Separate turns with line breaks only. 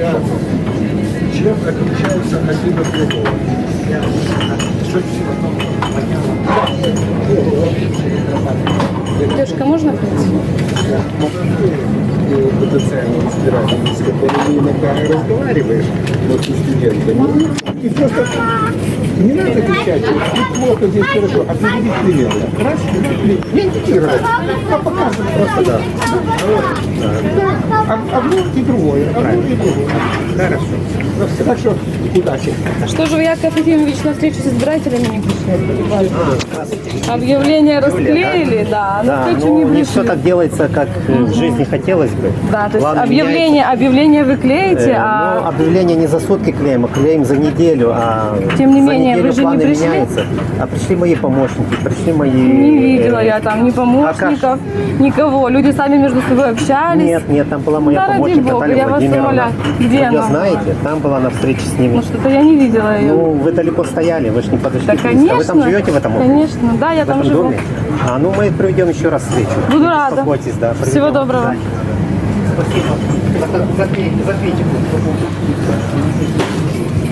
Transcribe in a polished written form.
Чем отличается один от другого?
Девушка, можно прийти?
Потенциально избирателей, с которыми иногда разговариваешь, вот с студентами. И просто не надо кричать, тут плохо, здесь хорошо, а приводить примеры. Раз, не индикировать, а показывать просто, да. Одно и другое, одно и другое. Хорошо. Так что удачи.
А что же вы, Яков Ефимович, на встречу с избирателями не пришли? Объявление расклеили, да, но
Да,
встречу
но
не
не
пришли.
все так делается, как в жизни хотелось бы.
Да, то есть
Главное,
объявление вы клеите,
но
а
объявление не за сутки клеим, а клеим за неделю. А
Тем не
за
менее,
неделю
вы же не
планы
пришли?
меняются. А пришли мои помощники, пришли мои...
не видела я там ни помощников, никого. Люди сами между собой общались.
Нет, там была моя
Да, ради
помощница
бога,
Наталья
я вас
Владимировна.
умоляю. Где
Вы
она?
ее знаете? Там была на встрече с ними.
Ну что-то я не видела ее.
Ну, вы далеко стояли, вы же не подошли.
Да,
близко.
конечно.
Вы там живете в этом округе?
Конечно, да, я
В
там
этом
живу.
доме? А, ну мы проведем еще раз встречу.
Буду
Не
рада.
беспокойтесь, да.
Всего
проведем.
доброго.
Да. Спасибо. Закройте.